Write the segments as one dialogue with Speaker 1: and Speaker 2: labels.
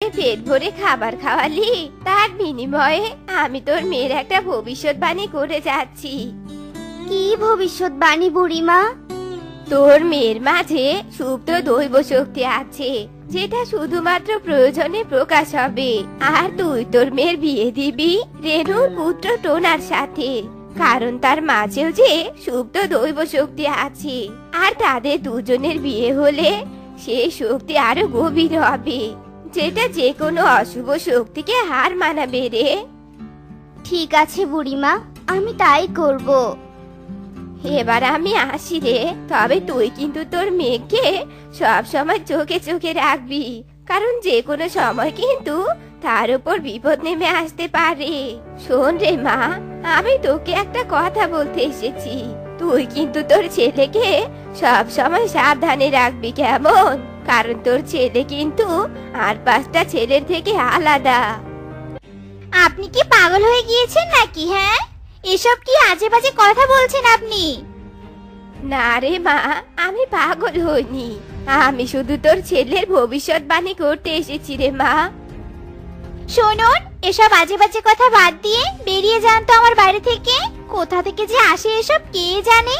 Speaker 1: পেট ভরে খাবার খাওয়ালি, তার বিনিময়ে আমি তোর মেয়ের একটা ভবিষ্যৎবাণী করে যাচ্ছি।
Speaker 2: কি ভবিষ্যৎবাণী বুড়িমা?
Speaker 1: তোর মেয়ের মাঝে সুপ্ত দৈব শক্তি আছে, যেটা শুধুমাত্র প্রয়োজনে প্রকাশ হবে। আর তুই তোর মেয়ের বিয়ে দিবি রেণুর পুত্র টোনার সাথে, কারণ তার মাঝেও যে সুপ্ত দৈব শক্তি আছে। আর তাদের দুজনের বিয়ে হলে সেই শক্তি আরো গভীর হবে, যেটা যে কোনো অশুভ শক্তিকে হার মানাবে রে।
Speaker 2: ঠিক আছে বুড়িমা, আমি তাই করব।
Speaker 1: এবার আমি আসি রে, তবে তুই কিন্তু তোর মেয়েকে সব সময় চোখে চোখে রাখবি, কারণ যে কোনো সময় কিন্তু তার উপর বিপদ নেমে আসতে পারে। শোন রে মা, আমি তোকে একটা কথা বলতে এসেছি, তুই কিন্তু তোর ছেলেকে সব সময় সাবধানে রাখবি, কেমন? কারণ তোর ছেলে কিন্তু আর 5টা ছেলের থেকে আলাদা।
Speaker 2: আপনি কি পাগল হয়ে গিয়েছেন নাকি? হ্যাঁ, এসব কি আজে বাজে কথা বলছেন আপনি?
Speaker 1: না রে মা, আমি পাগল হইনি, আমি শুধু তোর ছেলের ভবিষ্যৎবাণী করতে এসেছি রে মা।
Speaker 2: শুনুন, এসব আজে বাজে কথা বাদ দিয়ে বেরিয়ে যান তো আমার বাড়ি থেকে। কোথা থেকে যে আসে এসব কে জানে।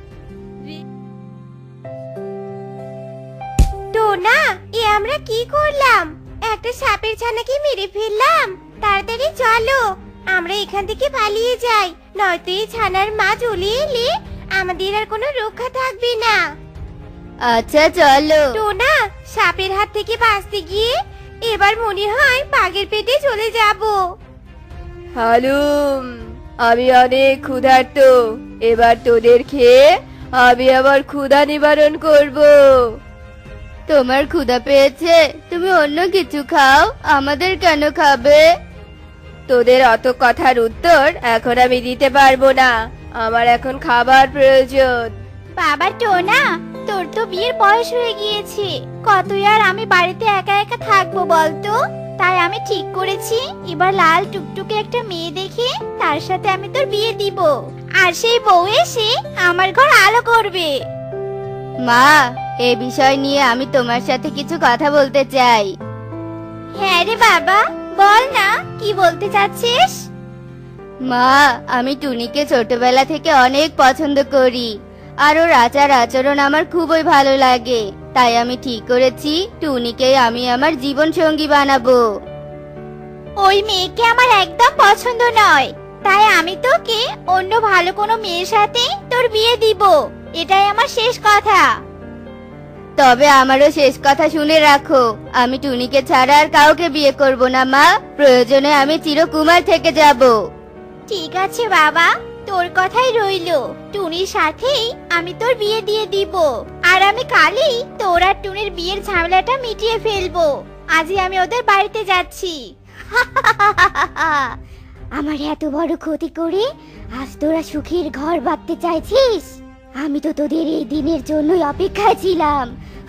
Speaker 1: টোনা, এ আমরা কি করলাম? একটা সাপের ছানাকে মেরে ফেললাম। তাড়াতাড়ি চলো, আমরা এখান থেকে পালিয়ে যাই, নয়তো এই ছানার মা চলে এলে আমাদের আর কোনো রক্ষা থাকবে না।
Speaker 2: আচ্ছা চলো।
Speaker 1: টোনা, সাপের হাত থেকে বাঁচতে গিয়ে এবার মনে হয় বাঘের পেটে চলে যাব। হালুম, আমি অনেক ক্ষুধার্ত, এবার তোদের খেয়ে আমি আবার ক্ষুধা নিবারণ করব।
Speaker 2: তোমার ক্ষুধা পেয়েছে, তুমি অন্য কিছু খাও, আমাদের কেন খাবে?
Speaker 1: তোদের অত কথার উত্তর এখন আমি দিতে পারবো না, আমার এখন খাবার প্রয়োজন।
Speaker 2: বাবা টোনা, তোর তো বিয়ের বয়স হয়ে গিয়েছে, কতই আর আমি বাড়িতে একা একা থাকবো বলতো? তাই আমি ঠিক করেছি এবার লাল টুকটুকে একটা মেয়ে দেখে তার সাথে আমি তোর বিয়ে দিব, আর সেই বউ এসে আমার ঘর আলো করবে। মা, এই বিষয় নিয়ে আমি তোমার সাথে কিছু কথা বলতে চাই। হ্যাঁ রে বাবা, বল না, কি বলতে চাচ্ছিস? মা, আমি টুনিকে ছোটবেলা থেকে অনেক পছন্দ করি, আর ওর আচার আচরণ আমার খুবই ভালো লাগে। তাই আমি ঠিক করেছি টুনিকে আমি আমার জীবন সঙ্গী বানাবো। ওই মেয়েকে আমার একদম পছন্দ নয়, তাই আমি তোকে অন্য ভালো কোনো মেয়ের সাথে তোর বিয়ে দিব, এটাই আমার শেষ কথা। তবে আমারও শেষ কথা শুনে রাখো, আমি টুনিকে ছাড়া আর কাউকে বিয়ে করব না মা, প্রয়োজনে আমি চিরকুমার থেকে যাব। ঠিক আছে বাবা, তোর কথাই রইলো, টুনির সাথেই আমি তোর বিয়ে দিয়ে দিব, আর আমি কালই তোর আর টুনির বিয়ের ঝামেলাটা মিটিয়ে ফেলবো। আজই আমি ওদের বাড়িতে যাচ্ছি। আমার এত বড় ক্ষতি করে আজ তোরা সুখের ঘর বাঁধতে চাইছিস? আমি তো তোদের এই দিনের জন্যই অপেক্ষায় ছিলাম।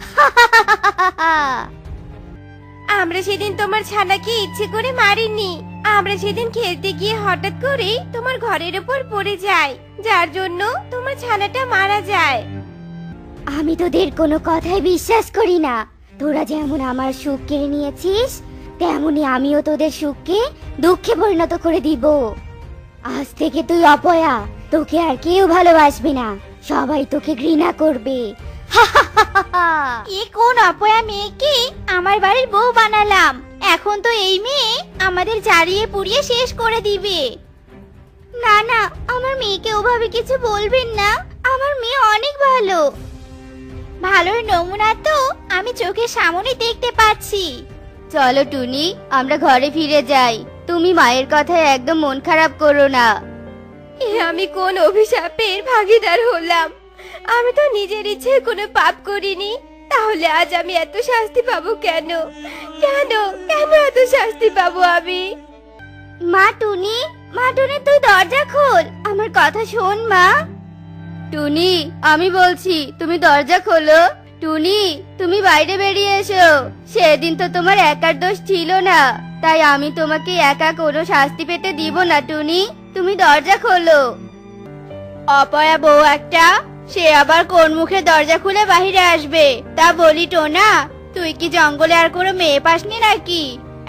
Speaker 1: আমরা সেদিন তোমার ছানাকে ইচ্ছে করে মারিনি, আমরা সেদিন খেলতে গিয়ে হঠাৎ করে তোমার ঘরের উপর পড়ে যায়, যার জন্য তোমার ছানাটা মারা যায়।
Speaker 2: আমি তোদের কোনো কথাই বিশ্বাস করি না। তোরা যেমন আমার সুখ কেড়ে নিয়েছিস, তেমনি আমিও তোদের সুখকে দুঃখে পরিণত করে দিব। আজ থেকে তুই অপয়া, তোকে আর কেউ ভালোবাসবে না, সবাই তোকে ঘৃণা করবে। এ কোন অপয়া মেয়েকে আমার বাড়ির বউ বানালাম, এখন তো এই মেয়ে আমাদের জ্বালিয়ে পুড়িয়ে শেষ করে দিবে। না না, আমার মেয়েকে ওভাবে কিছু বলবেন না, আমার মেয়ে অনেক ভালো। ভালোর নমুনা তো আমি চোখের সামনে দেখতে পাচ্ছি। চলো টুনি, আমরা ঘরে ফিরে যাই, তুমি মায়ের কথায় একদম মন খারাপ করো না।
Speaker 1: এ আমি কোন অভিশাপের ভাগীদার হলাম? আমি তো নিজের ইচ্ছে কোনো পাপ করিনি, তাহলে আজ আমি এত শাস্তি পাবো কেন? কেন কেন এত শাস্তি পাবো আমি?
Speaker 2: মা টুনি, মা টুনি, তুই দরজা খোল, আমার কথা শোন মা। টুনি, আমি বলছি, তুমি দরজা খোলো। টুনি, তুমি বাইরে বেরিয়ে এসো, সেদিন তো তোমার একার দোষ ছিল না, তাই আমি তোমাকে একা কোনো শাস্তি পেতে দিব না। টুনি, তুমি দরজা খোলো। অপয়া বউ একটা, সে আবার কোন মুখে দরজা খুলে বাহিরে আসবে? তা বলি টোনা, তুই কি জঙ্গলে আর কোনো মেয়ে পাসনি নাকি?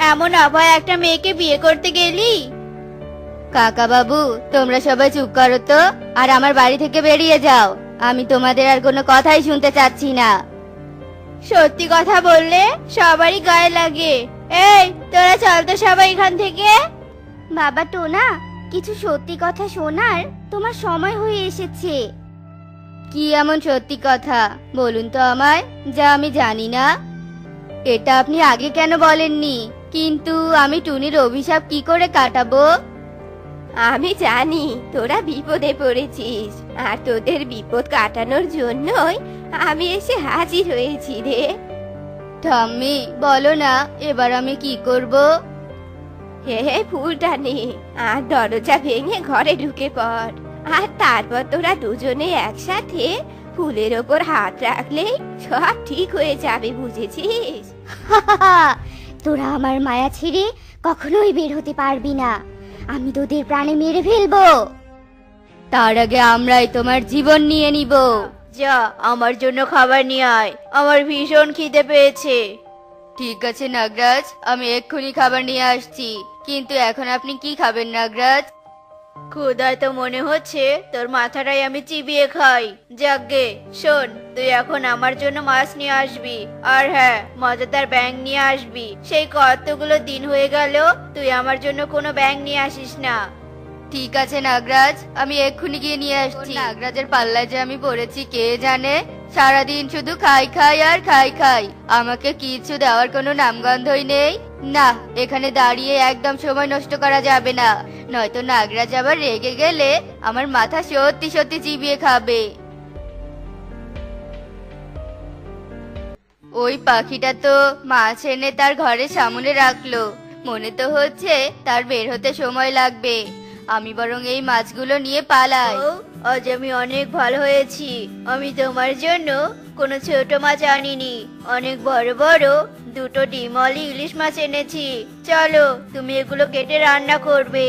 Speaker 2: এমন অভয় একটা মেয়েকে বিয়ে করতে গেলি?
Speaker 3: কাকা বাবু, তোমরা সবাই চুপ করো তো, আর আমার বাড়ি থেকে বেরিয়ে যাও। আমি তোমাদের আর কোনো কথাই শুনতে চাচ্ছি না।
Speaker 2: সত্যি কথা বললে সবারই গায়ে লাগে। এই তোরা চল তো সবাই এখান থেকে।
Speaker 3: বাবা টোনা, কিছু সত্যি কথা শোনার তোমার সময় হয়ে এসেছে। কি এমন সত্যি কথা বলুন তো আমায়, যা আমি জানি না? এটা আপনি আগে কেন বলেননি? কিন্তু আমি টুনির অভিশাপ কি করে কাটাবো?
Speaker 1: আমি জানি তোরা বিপদে পড়েছিস, আর তোদের বিপদ কাটানোর জন্যই আমি এসে হাজির হয়েছি রে।
Speaker 3: ঠাম্মি, বলো না এবার আমি কি করব?
Speaker 1: হে হে, ফুলটা নে আর দরজা ভেঙে ঘরে ঢুকে পড়। আর তারপর তোরা দুজনে একসাথে ফুলের ওপর হাত রাখলেই সব ঠিক হয়ে যাবে, বুঝেছিস?
Speaker 3: তোরা আমার মায়া ছেড়ে কখনোই বের হতে পারবি না। আমি তোদের প্রাণে মেরে ফেলবো। তার আগে আমরাই তোমার জীবন নিয়ে নিব।
Speaker 2: যা আমার জন্য খাবার নিয়ে আয়, আমার ভীষণ খিদে পেয়েছে।
Speaker 3: ঠিক আছে নাগরাজ, আমি এক্ষুনি খাবার নিয়ে আসছি। কিন্তু এখন আপনি কি খাবেন নাগরাজ?
Speaker 2: ক্ষুধায় তো মনে হচ্ছে তোর মাথাটাই আমি চিবিয়ে খাই। যাকগে শোন, তুই এখন আমার জন্য মাছ নিয়ে আসবি, আর হ্যাঁ, মজাদার ব্যাঙ নিয়ে আসবি। সেই কতগুলো দিন হয়ে গেল তুই আমার জন্য কোনো ব্যাঙ নিয়ে আসিস না।
Speaker 3: ঠিক আছে নাগরাজ, আমি এক্ষুনি গিয়ে নিয়ে আসছি। নাগরাজের পাল্লায় যে আমি পড়েছি কে জানে। সারাদিন শুধু খাই খাই আর খাই খাই, আমাকে কিছু দেওয়ার কোনো নামগন্ধই নেই। না, এখানে দাঁড়িয়ে একদম সময় নষ্ট করা যাবে না, নয়তো নাগরাজ আবার রেগে গেলে আমার মাথা সত্যি সত্যি চিবিয়ে খাবে। ওই পাখিটা তো মাছ এনে তার ঘরের সামনে রাখলো, মনে তো হচ্ছে তার বের হতে সময় লাগবে। আমি বরং এই মাছগুলো নিয়ে পালাই।
Speaker 2: ও, আজ আমি অনেক ভালো হয়েছি। আমি তোমার জন্য কোনো ছোট মাছ আনিনি, অনেক বড় বড় দুটো ডিমওয়ালি ইলিশ মাছ এনেছি। চলো, তুমি এগুলো কেটে রান্না করবে।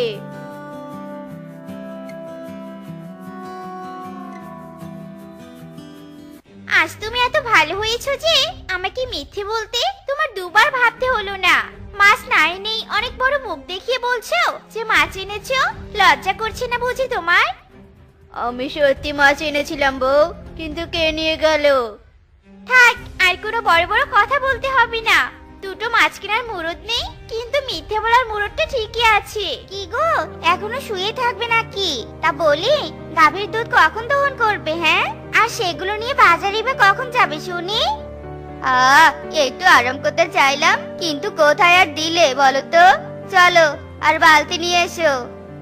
Speaker 2: আজ তুমি এত ভালো হয়েছো যে আমাকে মিথ্যে বলতে তোমার দুবার ভাবতে হলো না। মাছ না এনেই অনেক বড় মুখ দেখিয়ে বলছো যে মাছ এনেছো। লজ্জা করছে না বুঝি তোমার? আমি সত্যি মাছ এনেছিলাম বউ, কিন্তু কে নিয়ে গেল? থাক, আর কোনো বড় বড় কথা বলতে হবে না। দুটো মাছ কেনার মুরদ নেই, কিন্তু মিথ্যে বলার মুরদটা ঠিকই আছে। কি গো, এখনো শুয়ে থাকবে নাকি? তা বলি, গাভীর দুধ কখন দহন করবে? হ্যাঁ, আর সেগুলো নিয়ে বাজারে বা কখন যাবে শুনি?
Speaker 3: একটু আরাম করতে চাইলাম, কিন্তু কোথায় আর দিলে বলো তো? চলো, আর বালতি নিয়ে এসো।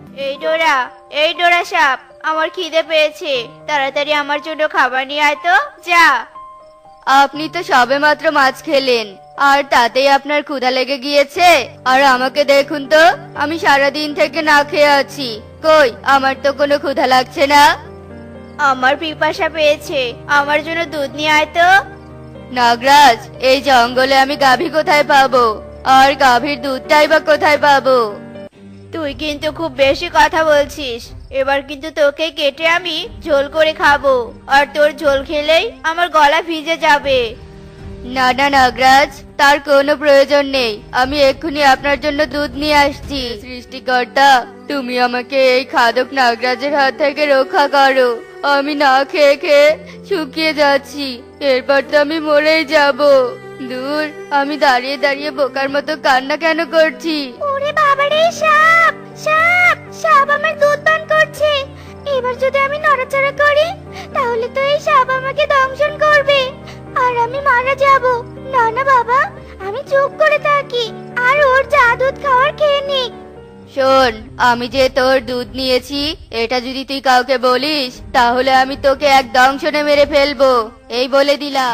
Speaker 2: এই ডোরা সাপ, আমার খিদে পেয়েছে, তাড়াতাড়ি আমার জন্য খাবার নিয়ে আয় তো, যা।
Speaker 3: আপনি তো সবেমাত্র মাছ খেলেন, আর তাতেই আপনার ক্ষুধা লেগে গিয়েছে? আর আমাকে দেখুন তো, আমি সারাদিন থেকে না খেয়ে আছি। কই, আমার তো কোনো ক্ষুধা লাগছে না।
Speaker 2: আমার পিপাসা পেয়েছে, আমার জন্য দুধ নিয়ে আয় তো।
Speaker 3: নাগরাজ, এই জঙ্গলে আমি গাভী কোথায় পাবো? আর গাভীর দুধটাই বা কোথায় পাবো?
Speaker 2: তুই কিন্তু খুব বেশি কথা বলছিস। এবার কিন্তু তোকে কেটে আমি ঝোল করে খাবো, আর তোর ঝোল খেলেই আমার গলা ভিজে যাবে।
Speaker 3: না না নাগরাজ, তার কোনো প্রয়োজন নেই। আমি এক্ষুনি আপনার জন্য দুধ নিয়ে আসছি। সৃষ্টিকর্তা, তুমি আমাকে এই খাদক নাগরাজের হাত থেকে রক্ষা করো। আমি না খেয়ে খেয়ে শুকিয়ে যাচ্ছি, এরপর তো আমি মরেই যাব। দূর, আমি দাঁড়িয়ে দাঁড়িয়ে বোকার মতো কান্না কেন করছি?
Speaker 2: ওরে বাবারে, সাপ সাপ সাপ আমার দুধ পান করছে। এবার যদি আমি নড়াচড়া করি তাহলে তো এই সাপ আমাকে দংশন করবে, আর আমি মারা যাব। না না বাবা, আমি চুপ করে থাকি, আর ওর যা দুধ খাওয়ার খেয়ে নিক।
Speaker 3: শোন, আমি যে তোর দুধ নিয়েছি এটা যদি তুই কাউকে বলিস, তাহলে আমি তোকে এক দংশনে মেরে ফেলবো, এই বলে দিলাম।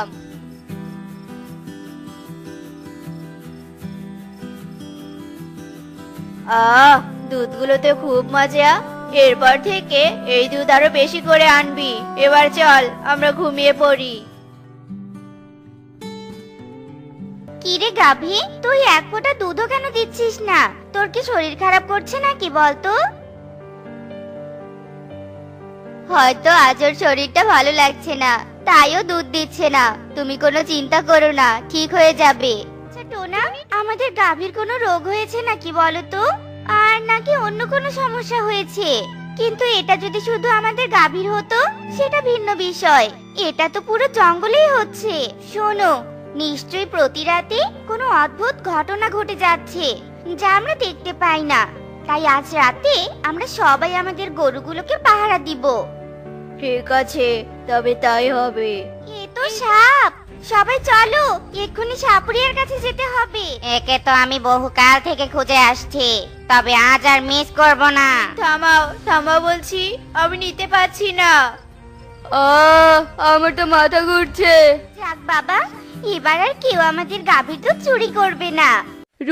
Speaker 2: দুধগুলোতে খুব মজা। এরপর থেকে এই দুধ আরো বেশি করে আনবি। এবার চল, আমরা ঘুমিয়ে পড়ি। কিরে গাভী, তুই এক ফোঁটা দুধও কেন দিচ্ছিস না? তোর কি শরীর খারাপ করছে নাকি বলতো?
Speaker 3: হয়তো আজ ওর শরীরটা ভালো লাগছে না, তাইও দুধ দিচ্ছে না। তুমি কোনো চিন্তা করো না, ঠিক হয়ে যাবে।
Speaker 2: আচ্ছা টোনা, আমাদের গাভীর কোনো রোগ হয়েছে নাকি বলো তো, আর নাকি অন্য কোনো সমস্যা হয়েছে। কিন্তু এটা যদি শুধু আমাদের গাভীর হতো সেটা ভিন্ন বিষয়, এটা তো পুরো জঙ্গলেই হচ্ছে। শোনো, নিশ্চয়ই প্রতি রাতে কোনো অদ্ভুত ঘটনা ঘটে যাচ্ছে যা আমরা দেখতে পাই না। তাই আজ রাতে আমরা সবাই আমাদের গরুগুলোকে পাহারা দিব।
Speaker 3: ঠিক আছে, তবে তাই হবে।
Speaker 2: এ তো সাপ, সবাই চলো এক্ষুনি সাপুরিয়ার কাছে যেতে হবে। একে তো আমি বহুকাল থেকে খুঁজে আসছি, তবে আজ আর মিস করব না।
Speaker 3: থামাও থামাও বলছি, আমি নিতে পারছি না। আমার তো মাথা ঘুরছে।
Speaker 2: যাক বাবা, এবার আর কেউ আমাদের গাভীর দুধ চুরি করবে না।